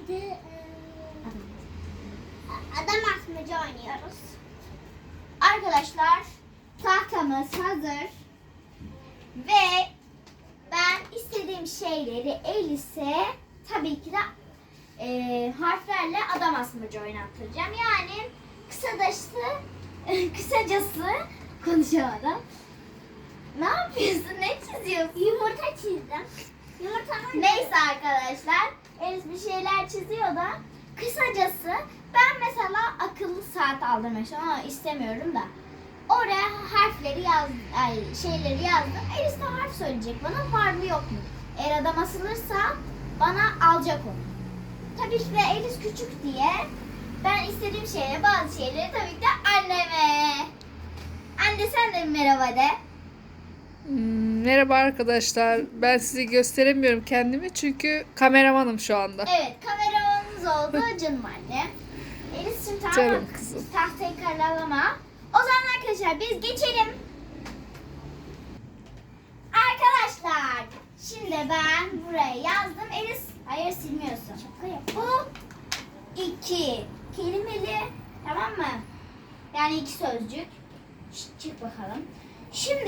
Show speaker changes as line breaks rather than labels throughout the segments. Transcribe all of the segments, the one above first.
neydi? Adam asmaca oynuyoruz. Arkadaşlar tahtamız hazır. Ve ben istediğim şeyleri Elise tabii ki de harflerle adam asmaca oynattıracağım. Yani kısacası konuşamadım. Ne yapıyorsun? Ne çiziyorsun? Yumurta çizdim. Neyse arkadaşlar. Elis bir şeyler çiziyor da. Kısacası ben mesela akıllı saat aldırmak istiyorum ama istemiyorum da. Oraya harfleri şeyleri yazdım. Elis de harf söyleyecek bana, var mı yok mu? Eğer adam asılırsa bana alacak onu. Tabii ki de Elis küçük diye ben istediğim şeyleri, bazı şeyleri tabii ki de anneme. Anne sen de merhaba de.
Merhaba arkadaşlar. Ben sizi gösteremiyorum kendimi çünkü kameramanım şu anda.
Evet, kameramanımız oldu canım annem. Elis'cim tamam
Canım
mı?
kızım.
Tahtayı karalama. O zaman arkadaşlar biz geçelim. Arkadaşlar şimdi ben buraya yazdım. Elis, hayır silmiyorsun. Bu iki kelimeli, tamam mı? Yani iki sözcük. Çık bakalım. Şimdi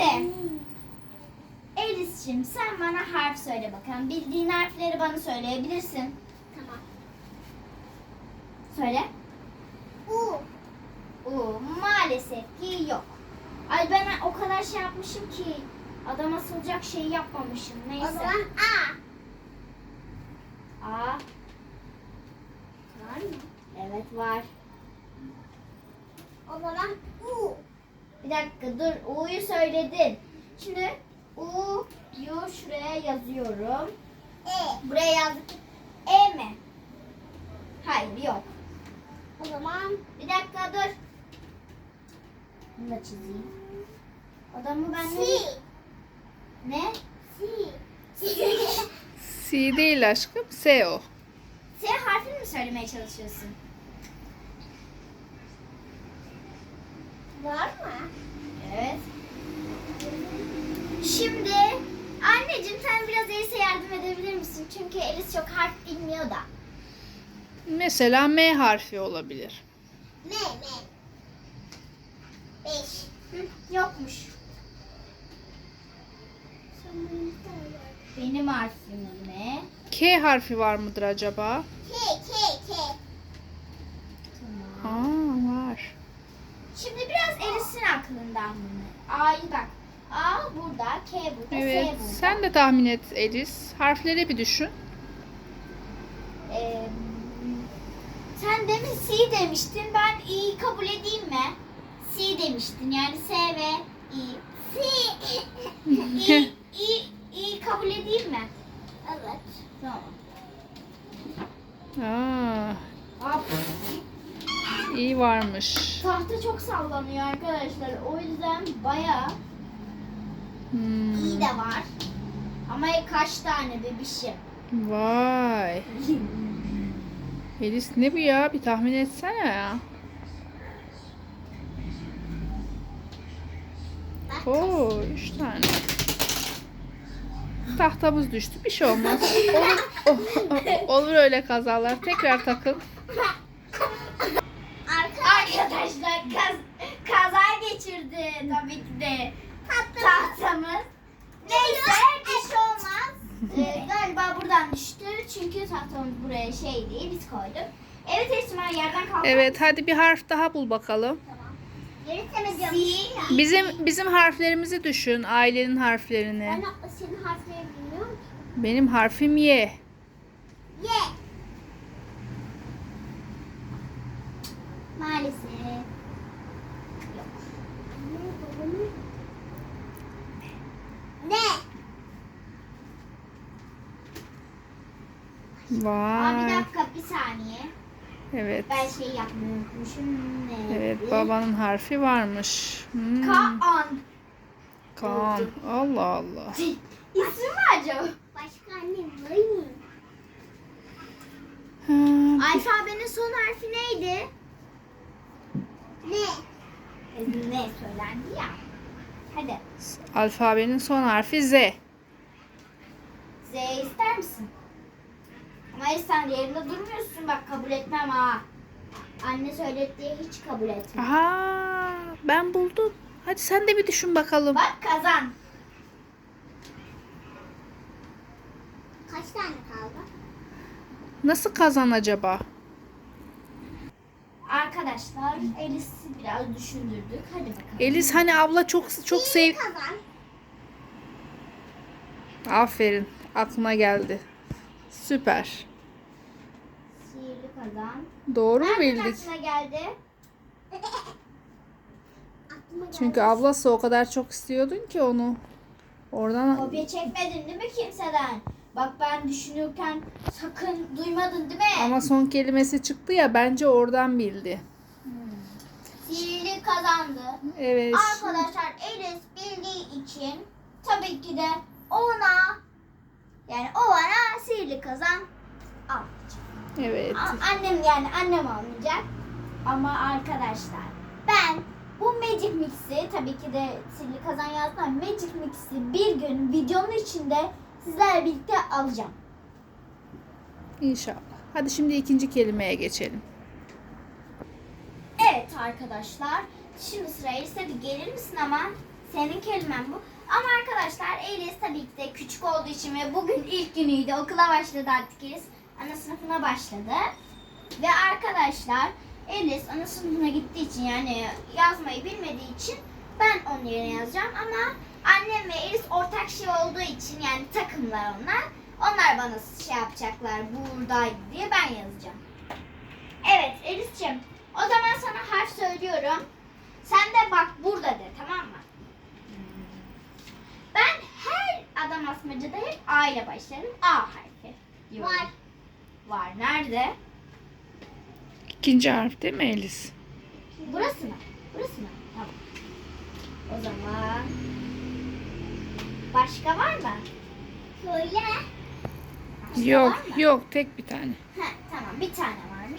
Elis'cim sen bana harf söyle bakalım. Bildiğin harfleri bana söyleyebilirsin. Tamam. Söyle. U. U. Maalesef ki yok. Ay ben o kadar şey yapmışım ki adam asılacak şey yapmamışım. Neyse. O zaman A. A. Var mı? Evet var. O zaman U. Bir dakika dur. U'yu söyledin. Şimdi U'yu şuraya yazıyorum. E. Buraya yazdık. E mi? Hayır yok. O zaman bir dakika dur. Bunu da çizeyim. Adamı ben ne?
C değil aşkım. S o.
S harfini mi söylemeye çalışıyorsun? Var mı? Evet. Şimdi anneciğim sen biraz Elis'e yardım edebilir misin? Çünkü Elis çok harf bilmiyor da.
Mesela M harfi olabilir.
M. 5. Yokmuş. Benim harfim ne?
K harfi var mıdır acaba?
K. Tamam.
Aa, var.
Şimdi biraz Elis'in aklından bunu. A'yı bak. A burada, K burada,
Evet.
S burada.
Sen de tahmin et Elis. Harfleri bir düşün.
Sen demin C demiştin. Ben İ'yi kabul edeyim mi? C demiştin. Yani S ve İ. C. İ kabul edeyim mi? Evet. Tamam.
Aa,
Hop.
iyi varmış.
Tahta çok sallanıyor arkadaşlar. O yüzden bayağı iyi de var. Ama kaç tane bebişim?
Vay. Elis ne bu ya? Bir tahmin etsene ya. Oo, 3 tane. Tahtamız düştü. Bir şey olmaz. Olur öyle kazalar. Tekrar takın.
Arkadaşlar kaza geçirdi tabii ki de tahtamız. Neyse bir şey olmaz. Galiba buradan düştü çünkü tahtamız buraya şey değil, biz koyduk. Evet Esma yerden kalktı.
Evet, hadi bir harf daha bul bakalım.
Tamam. C.
Bizim harflerimizi düşün. Ailenin harflerini.
Ben senin harflerini bilmiyorum ki.
Benim harfim Y.
Y. Maalesef. Yok. Ne? Aa,
Vay.
bir dakika bir saniye.
Evet.
Ben şey yapmayı unutmuşum. Ne?
Evet, babanın harfi varmış.
Kaan.
Kaan. Allah Allah.
İsmi mi acaba? Başka annem var mı?
Ha,
Alfabenin son harfi neydi? Ne? Ne söylendi ya. Hadi.
alfabenin son harfi Z.
Z ister misin? Ama Elis sen yerinde durmuyorsun, bak kabul etmem ha. Anne söyledi diye hiç kabul etmem.
Aha, ben buldum. Hadi sen de bir düşün bakalım.
Bak kazan. Kaç tane kaldı?
Nasıl kazan acaba?
Arkadaşlar Elis'i biraz düşündürdük. Hadi bakalım.
Elis hani abla çok sev...
Kazan.
Aferin. Aklına geldi. Süper.
Sihirli kazan.
Doğru mu
Nereden
bildik?
aklına geldi?
Çünkü ablası o kadar çok istiyordun ki onu. Oradan
Kopya çekmedin değil mi kimseden? Bak ben düşünürken sakın duymadın değil mi?
ama son kelimesi çıktı ya, bence oradan bildi.
Sihirli kazandı.
Evet.
Arkadaşlar Elis bildiği için tabii ki de ona, yani o bana sihirli kazan almayacak.
Evet.
Annem almayacak. Ama arkadaşlar ben bu Magic Mix'i, tabii ki de sihirli kazan yazdım, Magic Mix'i bir gün videonun içinde sizlerle birlikte alacağım.
İnşallah. Hadi şimdi ikinci kelimeye geçelim.
Evet arkadaşlar. Şimdi sıra Elis'e, bir gelir misin ama? Senin kelimen bu. Ama arkadaşlar Elis tabii ki de küçük olduğu için ve bugün ilk günüydü. Okula başladı artık Elis. Ana sınıfına başladı. Ve arkadaşlar Elis ana sınıfına gittiği için, yani yazmayı bilmediği için ben onun yerine yazacağım. Ama annem ve Elis ortak şey olduğu için, yani takımlar onlar. Onlar bana şey yapacaklar, buradaydı diye ben yazacağım. Evet Elis'ciğim, o zaman sana harf söylüyorum. Sen de bak burada de, tamam mı? Ben her adam asmacada hep A ile başlarım. A harfi diyorum. Var. Var. Nerede?
İkinci harf değil mi Elis?
Burası mı? Burası mı? Tamam. O zaman başka var mı? Söyle. Başka
Yok,
var mı?
yok, tek bir tane.
Heh, tamam, bir tane varmış.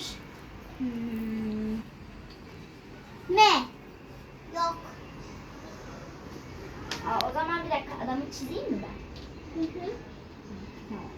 Ne? Yok. O zaman bir dakika, adamı çizeyim mi ben? Hı hı. Tamam.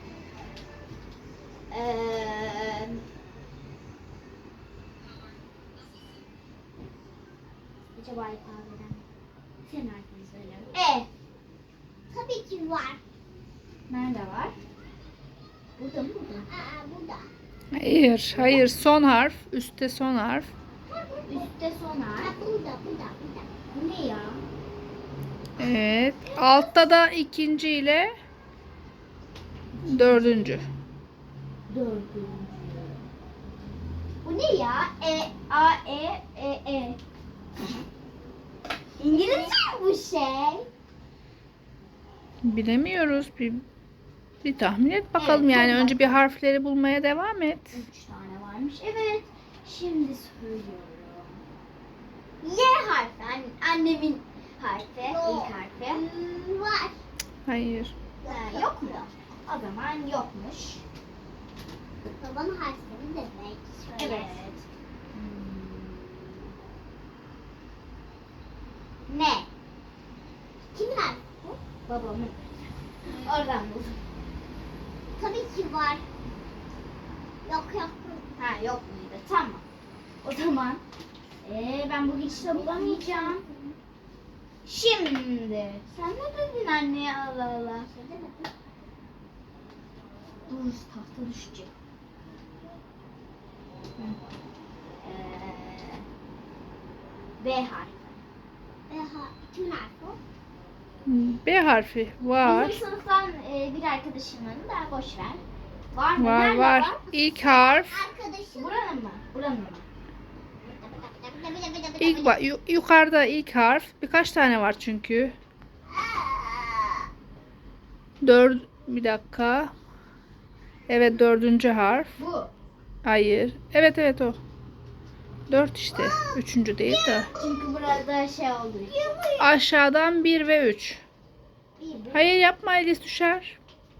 Acaba ifadeden senin harfini söylüyorum. Tabii ki var. Nerede var? Burada mı? Burada.
Hayır, son harf. Üstte son harf.
Üstte son harf. Burada. Bu ne ya?
Evet. Altta da ikinci ile dördüncü.
Dördüncü. Bu ne ya? A, E. İngilizce mi bu şey?
Bilemiyoruz. Bir tahmin et bakalım,
Evet,
yani
hadi
önce bir harfleri bulmaya devam et.
3 tane varmış. Evet. Şimdi söylüyorum. Y harfi. Annemin harfi. İlk harfi. Var.
Hayır.
Yok mu? O zaman yokmuş. Babanın harfini demek. Evet. Ne? Kimin harfi bu? Babamın. Oradan buldum. Tabii ki var. Yok. Ha, yok muydu? Tamam. O zaman ben bu gidişle bulamayacağım. Şimdi sen ne dedin anneye, Allah Allah. Dur, tahta düşecek. B harfi. Kimin harfi o?
B harfi var.
Bizim sınıftan bir arkadaşımın da, boş ver. Var mı?
Var
Nerede
var. İlk harf.
Arkadaşım. Buranın mı? Buranın mı?
Yukarıda ilk harf. Birkaç tane var çünkü. Bir dakika. Evet, dördüncü harf.
Bu.
Hayır. Evet o. 4 işte. Üçüncü değil de.
Çünkü burada şey olduğu için.
Aşağıdan 1 ve 3.
Bir.
Hayır, yapma, Elis düşer.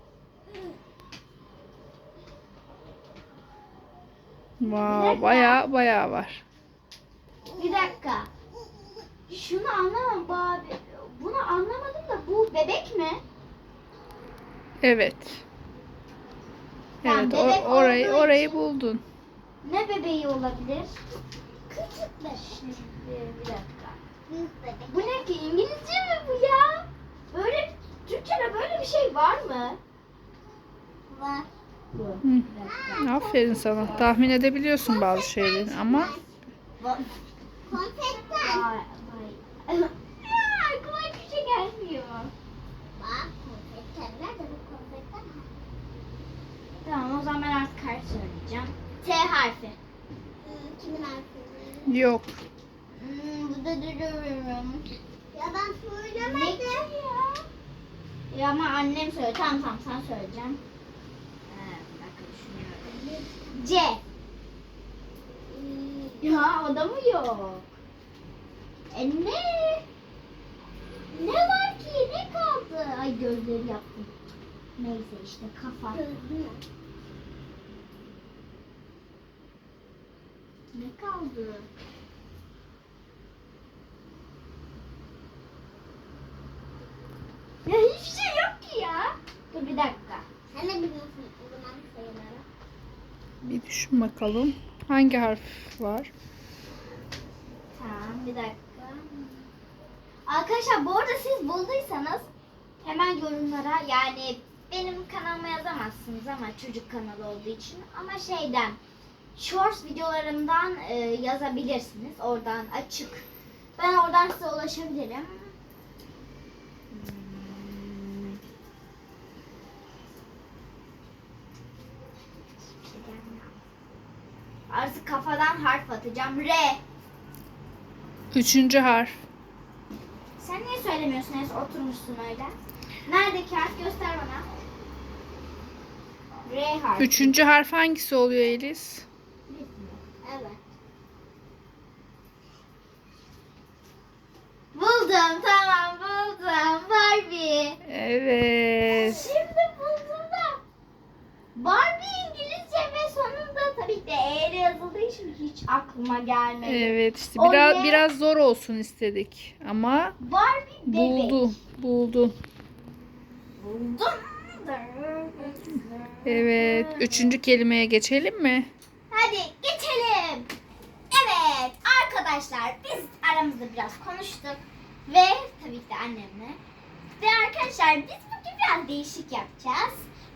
Wow, bayağı var.
Bir dakika. Şunu anlamam bu abi. Bunu anlamadım da, bu bebek mi?
Evet. Evet,
Tamam, bebek olduğu
orayı
için-
buldun.
Ne bebeği olabilir? Küçük bebek. Bir dakika. Bu ne ki? İngilizce mi bu ya? Böyle Türkçe'de böyle bir şey var mı? Var. Bu.
Hı. Aferin sana. Tahmin edebiliyorsun bazı şeyleri ama
Konfetten. Aklıma hiçbir şey gelmiyor. Bak konfetten. Nerede bu konfetten? Tamam o zaman ben artık harf söyleyeceğim. T harfi. Kimin harfi?
yok.
Bu da duruyorum. Ya ben söylemedim. Ne ki ya? Ya ama annem söyledi. Tamam sen söyleyeceğim. Bir dakika düşünüyorum. C. Ya o da mı yok? Ne? Ne var ki? Ne kaldı? Ay gözleri yaptım. Neyse işte kafa. Ne kaldı? Ya hiçbir şey yok ki ya. Dur bir dakika. Sen ne biliyorsun o zaman sayıları?
Bir düşün bakalım. Hangi harf var?
Tamam bir dakika. Arkadaşlar bu arada siz bulduysanız hemen yorumlara yani benim kanalıma yazamazsınız ama çocuk kanalı olduğu için ama şeyden shorts videolarımdan yazabilirsiniz. Oradan açık. Ben oradan size ulaşabilirim. Artık kafadan harf atacağım. R.
3. harf.
Sen niye söylemiyorsun? Enes oturmuşsun öyle. Neredeki harf göster bana. R harfi.
3. harf hangisi oluyor Elis?
Evet. Buldum tamam buldum. Barbie.
Evet.
Şimdi buldum da. Barbie İngilizce ve sonunda tabii ki de E ile yazıldığı için hiç aklıma gelmedi.
Evet işte
O
biraz
ne?
biraz zor olsun istedik ama
Barbie bebek.
buldun.
Buldum.
Evet, 3. kelimeye geçelim mi?
Hadi geçelim. Evet arkadaşlar biz aramızda biraz konuştuk. Ve tabii ki de annemle. Ve arkadaşlar biz bugün biraz değişik yapacağız.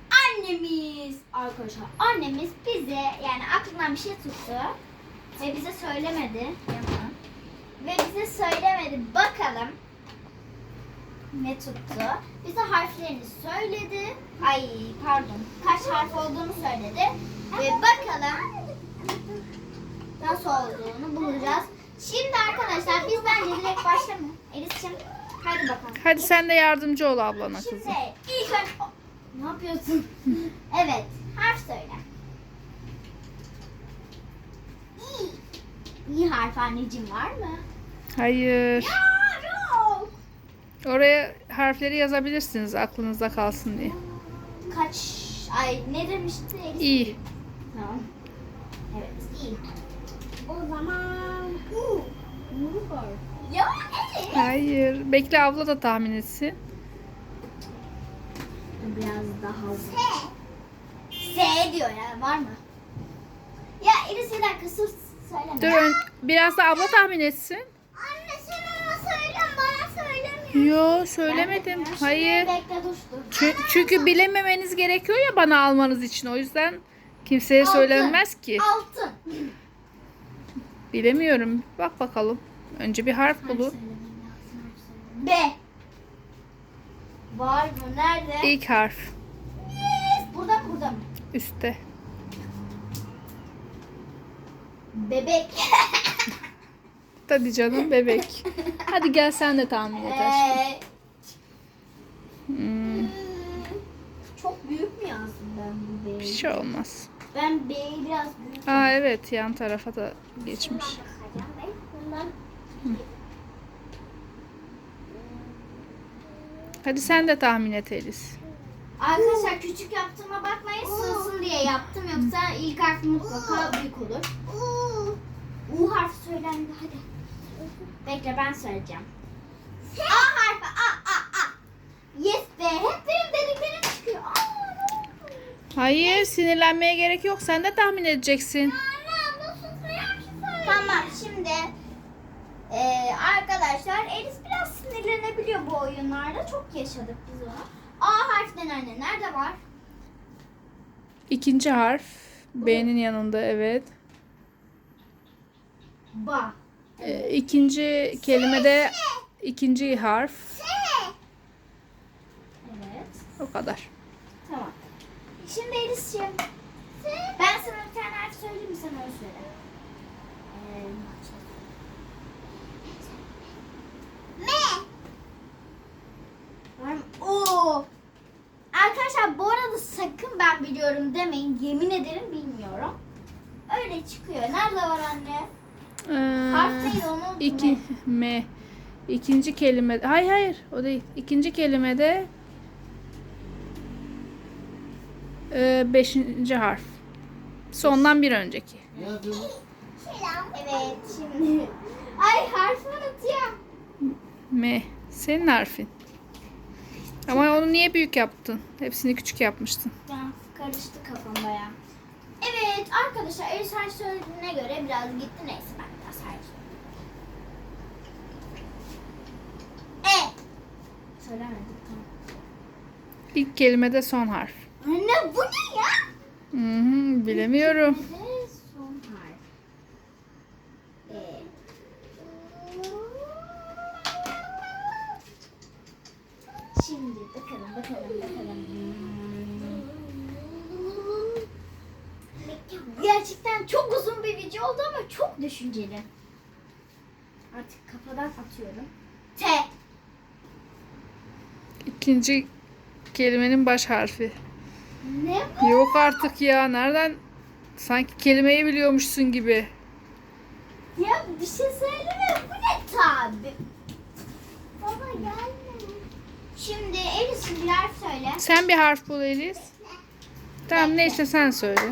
Annemiz bize yani aklından bir şey tuttu. Ve bize söylemedi. Ve bize söylemedi. Bakalım ne tuttu. Bize harflerini söyledi. Ay pardon. Kaç harf olduğunu söyledi. Ve bakalım nasıl olduğunu bulacağız. Şimdi arkadaşlar biz bence direkt başlamayalım. Elis'ciğim hadi bakalım.
Hadi sen de yardımcı ol ablana
Şimdi
kızım.
ilk önce... Ne yapıyorsun? Evet. Harf söyle. İ. İ harfi anneciğim var mı?
Hayır.
Ya yok.
Oraya harfleri yazabilirsiniz aklınızda kalsın diye.
Kaç... Ay ne demişti Elis?
İyi.
Tamam. Evet iyi. O zaman... U. U var. Ya evet.
Hayır. Bekle abla da tahmin etsin.
Biraz daha S diyor ya var mı? Ya Elis bir dakika sus söyleme.
Biraz da abla tahmin etsin.
Anne sen ona söyle bana söylemiyor.
Yo söylemedim.
Ben de-
Hayır.
Bekle dur.
Çünkü bilememeniz gerekiyor ya bana almanız için. O yüzden kimseye
Altın.
söylenmez ki.
Altın.
Bilemiyorum. Bak bakalım. Önce bir harf bulun.
B. Var mı? Nerede?
İlk harf.
Yes. Burada mı? Burada mı?
Üstte.
Bebek.
Tabii canım bebek. Hadi gel sen de tahmin et aşkım. Hmm,
Çok büyük mü yazdım ben bu B'yi?
bir şey olmaz.
Ben B'yi biraz büyük
Aa evet yan tarafa da geçmiş.
Bundan
Hadi sen de tahmin et Elis.
arkadaşlar küçük yaptığıma bakmayın sığsın diye yaptım yoksa ilk harf mutlaka büyük olur. U harfi söylendi hadi. Bekle ben söyleyeceğim. A harfi A. Yes be hep benim dediklerim çıkıyor.
Hayır, sinirlenmeye gerek yok. Sen de tahmin edeceksin.
Tamam şimdi arkadaşlar Elis biraz sinirlenebiliyor bu oyunlarda. Çok yaşadık biz onu. A harfinden anne nerede var?
İkinci harf. B'nin yanında, evet.
Ba.
İkinci kelimede ikinci harf.
Evet.
O kadar.
Tamam. Şimdi Elis'ciğim. Ben sana bir tane harf söyleyeyim mi, sen öyle söyle. Var mı? Oo. Arkadaşlar bu arada sakın ben biliyorum demeyin. Yemin ederim bilmiyorum. Öyle çıkıyor. Nerede var anne? Harf neydi onu unuttum.
İki M. İkinci kelime. Hayır, o değil. İkinci kelimede beşinci harf. Sondan bir önceki.
Ne yapıyorsun?
Evet şimdi. Ay harfi unutuyorum.
M. Senin harfin. Ama onu niye büyük yaptın? Hepsini küçük yapmıştın.
Ben karıştı kafam baya. Evet arkadaşlar Elis harf söylediğine göre biraz gitti. Neyse ben biraz harf söyleyeyim. Söylemedik tamam.
İlk kelimede son harf.
Anne bu ne ya?
Bilemiyorum.
Kelimede son harf. Şimdi bakalım. Gerçekten çok uzun bir video oldu ama çok düşünceli. Artık kafadan atıyorum. T.
İkinci kelimenin baş harfi.
Ne bu?
Yok artık ya. Nereden? Sanki kelimeyi biliyormuşsun gibi.
Ya bir şey söyleme. Bu ne tabi? Baba gelme. Şimdi Elis'in bir harf söyle.
Sen bir harf bul Elis. Tamam, neyse sen söyle.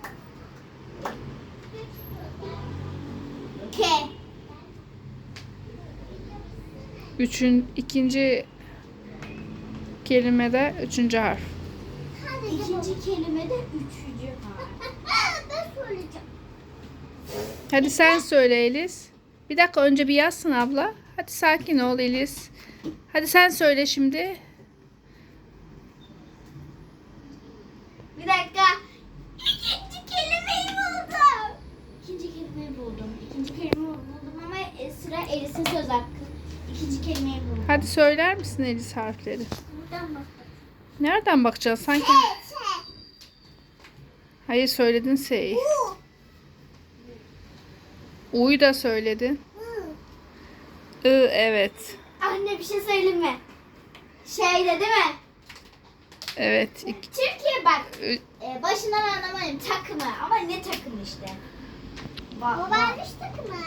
K.
İkinci kelimede üçüncü harf.
İkinci kelimede üçüncü harf. Ben söyleyeceğim.
Hadi sen söyle Elis. Bir dakika, önce bir yazsın abla. Hadi sakin ol Elis. Hadi sen söyle şimdi.
Bir dakika. İkinci kelimeyi buldum. İkinci kelimeyi buldum ama sıra Elis'in söz hakkı. İkinci kelimeyi buldum.
Hadi söyler misin Elis harfleri?
Buradan bak.
Nereden bakacağız? Sanki... Hayır, söyledin S'yi. U'yu da söyledin. Evet.
Anne bir şey söyleyeyim mi? Şeyde değil mi?
Evet.
Türkiye bak. Başından anlamadım takımı ama ne takımı işte. Babaanneş takımı.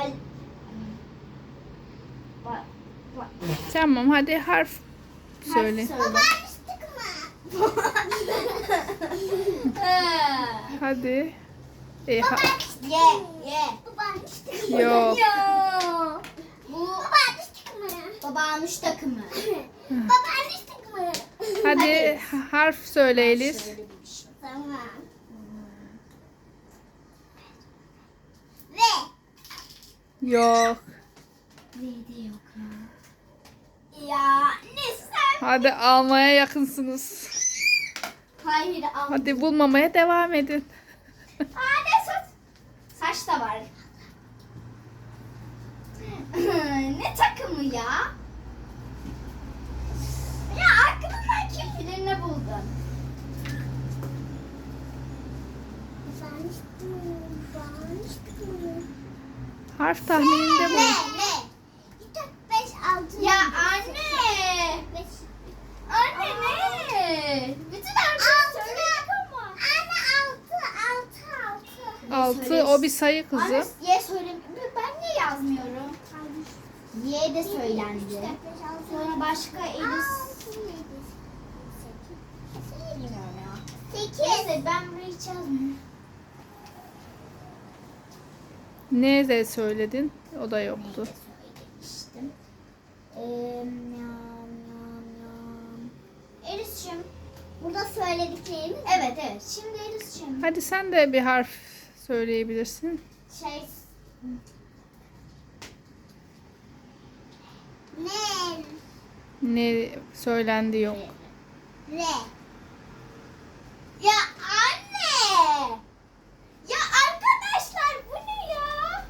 Tamam, hadi harf söyle.
Babaanneş takımı.
Hadi.
Ye. Babaanneş takımı.
Yok.
Yo. Bu babaanneş takımı. Babaanneş takımı. Babaanneş takımı.
Hadi harf söyle Elis.
Tamam. Ve.
Yok.
Neydi yok ya. Ya ne sen?
Hadi almaya yakınsınız.
Hayır al.
Hadi bulmamaya devam edin.
Ne saç? Saç da var. Ne takımı ya? Ya aklımdan kim bilir ne buldun?
Harf tahmininde bul.
Ya anne. Anne ne? Bütün harfleri söyledik ama. Anne
6, o bir sayı kızım.
Anne Y söyle. Ben niye yazmıyorum? Y de söylendi. Sonra başka Elis. Bilmiyorum ya. 8. Neyse ben burayı hiç yazmıyorum.
Ne de söyledin? O da yoktu.
Elis'cim Burada söylediklerimiz. Evet evet. Şimdi Elis'ciğim.
Hadi sen de bir harf söyleyebilirsin.
Şey. Ne?
Ne söylendi yok.
Re. Ya anne. Ya arkadaşlar bu ne ya?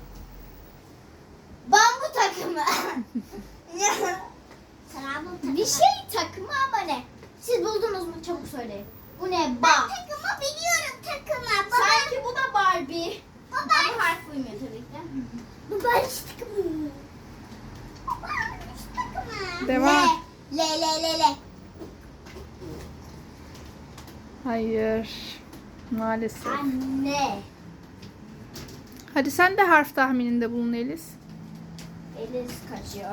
Bambu takımı. Bir şey takımı ama ne? Siz buldunuz mu? Çabuk söyleyin. Bu ne? Ben takımı biliyorum takımı. Sanki bu da Barbie. Ama harf uymuyor tabii ki. Bu Barbie takımı. Bu Barbie takımı.
Devam.
Le.
Hayır. Maalesef.
Anne.
Hadi sen de harf tahmininde bulun Elis.
Elis kaçıyor.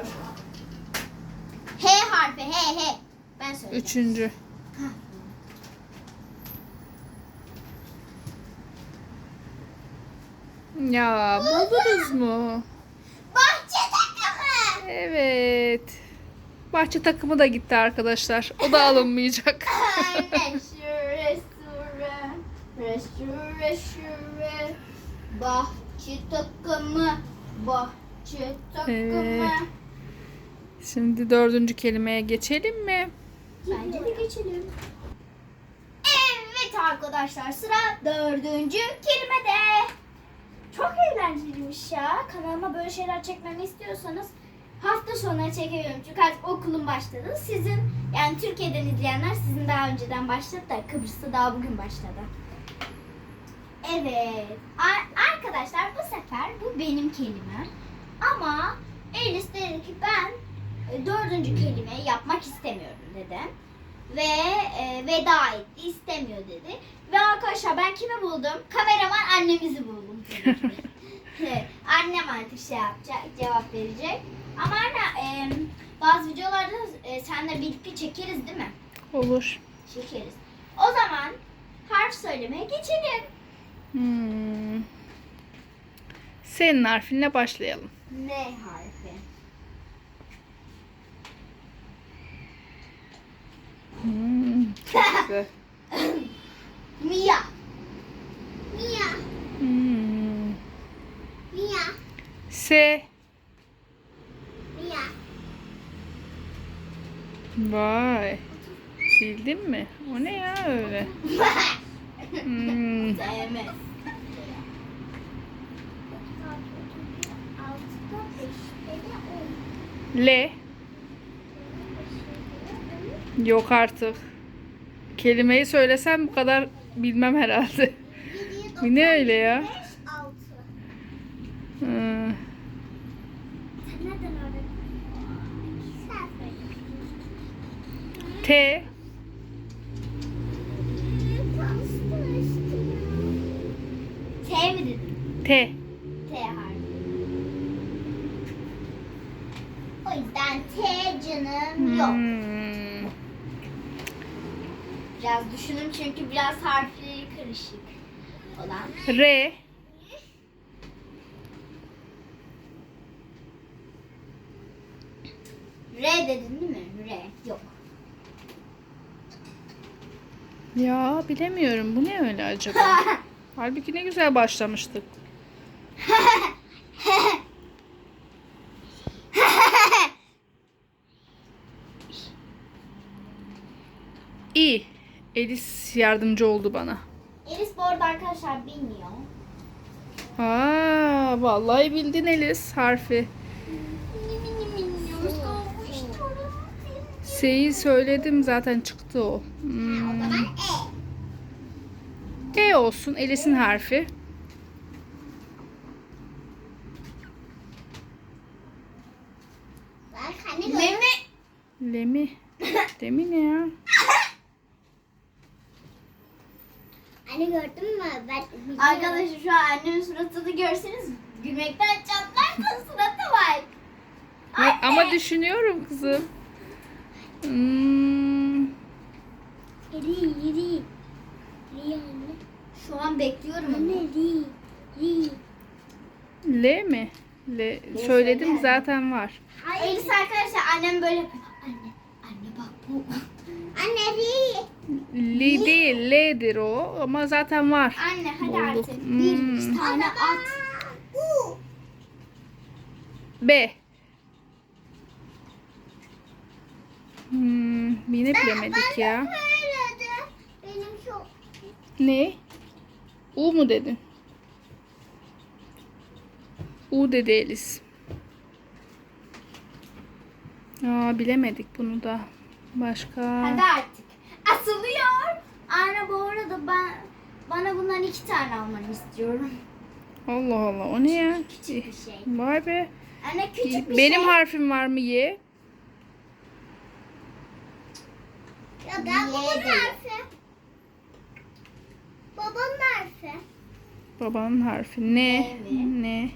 H harfi. H. Ben söyleyeceğim.
Üçüncü. Ya buldunuz mu?
Bahçe takımı.
Evet. Bahçe takımı da gitti arkadaşlar. O da alınmayacak.
Anne şure. Bahçe takımı. Bahçe takımı.
Şimdi dördüncü kelimeye geçelim mi?
Bence de geçelim. Evet arkadaşlar sıra dördüncü kelimede. Çok eğlenceliymiş ya. Kanalıma böyle şeyler çekmemi istiyorsanız hafta sonuna çekiyorum. Çünkü artık okulum başladı. Sizin yani Türkiye'den izleyenler sizin daha önceden başladı da Kıbrıs'ta daha bugün başladı. Evet. Arkadaşlar bu sefer bu benim kelimem. Ama Elis dedi ki ben dördüncü kelimeyi yapmak istemiyorum dedi. Ve veda etti. İstemiyor dedi. Ve arkadaşlar ben kimi buldum? Kameraman annemizi buldum. Annem artık şey yapacak, cevap verecek. Ama anne bazı videolarda seninle birlikte çekeriz değil mi?
Olur.
Çekeriz. O zaman harf söylemeye geçelim.
Senin harfinle başlayalım.
N harfi.
Çok güzel.
Mia.
S.
Mia.
Vay. Bildin mi? O ne ya öyle?
Sevmez.
L. Yok artık. Kelimeyi söylesem bu kadar bilmem herhalde. Bu ne öyle ya? Hmm. T.
T mi dedin?
T.
T harfi. O yüzden T canım yok. Biraz düşünün çünkü biraz harfleri karışık olan.
R.
R dedin değil mi? R. Yok.
Ya bilemiyorum. Bu ne öyle acaba? Halbuki ne güzel başlamıştık. İ. Elis yardımcı oldu bana.
Elis bu arada arkadaşlar bilmiyor.
Aa, vallahi bildin Elis harfi. S'yi söyledim zaten çıktı o.
O zaman E.
E olsun Elis'in harfi.
Memi.
Lemi. Demi ne ya?
Anne gördün mü? Arkadaşlar şu an annemin suratını görseniz gülmekten çatlarsa suratı var.
Ama düşünüyorum kızım.
Ri anne. Şu an bekliyorum anne. Ri.
L mi? L. Söyledim
söyle.
zaten var.
Elis arkadaşlar annem böyle yapıyor. Anne bak bu. Anne ri.
Li değil, L'dir o ama zaten var.
Anne hadi
Bulduk.
artık. Bir tane at.
B. Yine bilemedik ya.
Benim çok.
Ne? U mu dedin? U dedi Elis. Bilemedik bunu da. Başka.
Hadi artık. Asılıyor. Anne bu arada bana bundan 2 tane almanı istiyorum.
Allah Allah, o ne ya?
Küçük bir şey.
Vay be.
Anne küçük bir
Benim
şey.
harfim var mı Y?
Ya ben babamın harfi. Babamın harfi.
Babanın harfi. Ne?
mi?
Ne?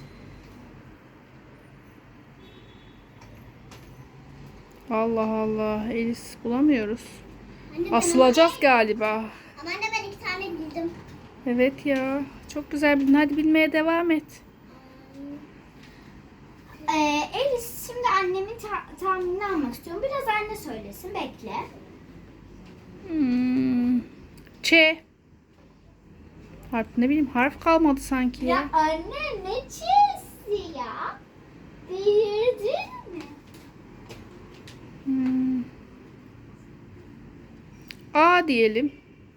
Allah Allah. Elis bulamıyoruz.
Anne,
Asılacağız galiba.
Ama anne ben 2 tane bildim.
Evet ya. Çok güzel bildin. Hadi bilmeye devam et.
Elis şimdi annemin tahminini almak istiyorum. Biraz anne söylesin. Bekle.
Ç. Harf, ne bileyim, harf kalmadı sanki ya.
Ya anne ne çizdi ya? Delirdin mi?
A diyelim.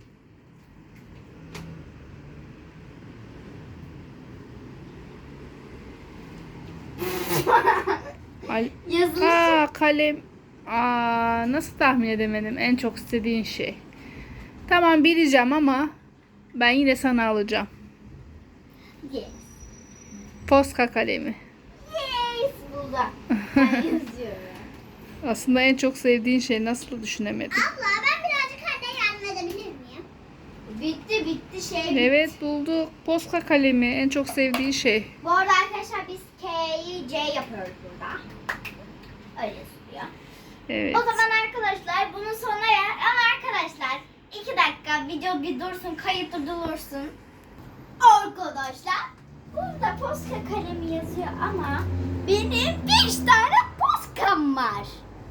Yazılışı.
Kalem. Nasıl tahmin edemedim? En çok istediğin şey. Tamam, bileceğim ama ben yine sana alacağım.
Yes.
Posca kalemi.
Yes. Burada. Ben yazıyorum.
Aslında en çok sevdiğin şey, nasıl düşünemedim?
Abla ben birazcık anne yardım edebilir miyim? Bitti şey.
Evet, bulduk. Posca kalemi en çok sevdiği şey.
Bu arada arkadaşlar biz K'yi C yapıyoruz burada. Öyle yazılıyor.
Evet.
O zaman arkadaşlar bunun sonuna ama arkadaşlar 2 dakika video bir dursun, kayıt dursun. Arkadaşlar burada Posca kalemi yazıyor ama benim 5 tane Posca'm var.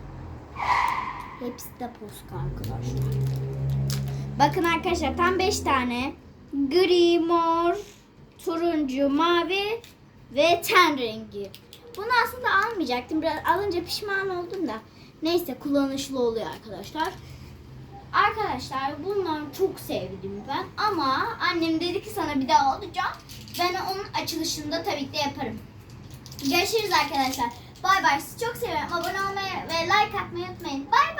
Hepsi de Posca arkadaşlar. Bakın arkadaşlar tam 5 tane. Gri, mor, turuncu, mavi ve ten rengi. Bunu aslında almayacaktım. Biraz alınca pişman oldum da. Neyse kullanışlı oluyor arkadaşlar. Arkadaşlar bunları çok sevdim ben. Ama annem dedi ki sana bir daha alacağım. Ben onun açılışında tabii ki de yaparım. Görüşürüz arkadaşlar. Bay bay. Sizi çok seviyorum. Abone olmayı ve like atmayı unutmayın. Bay bay.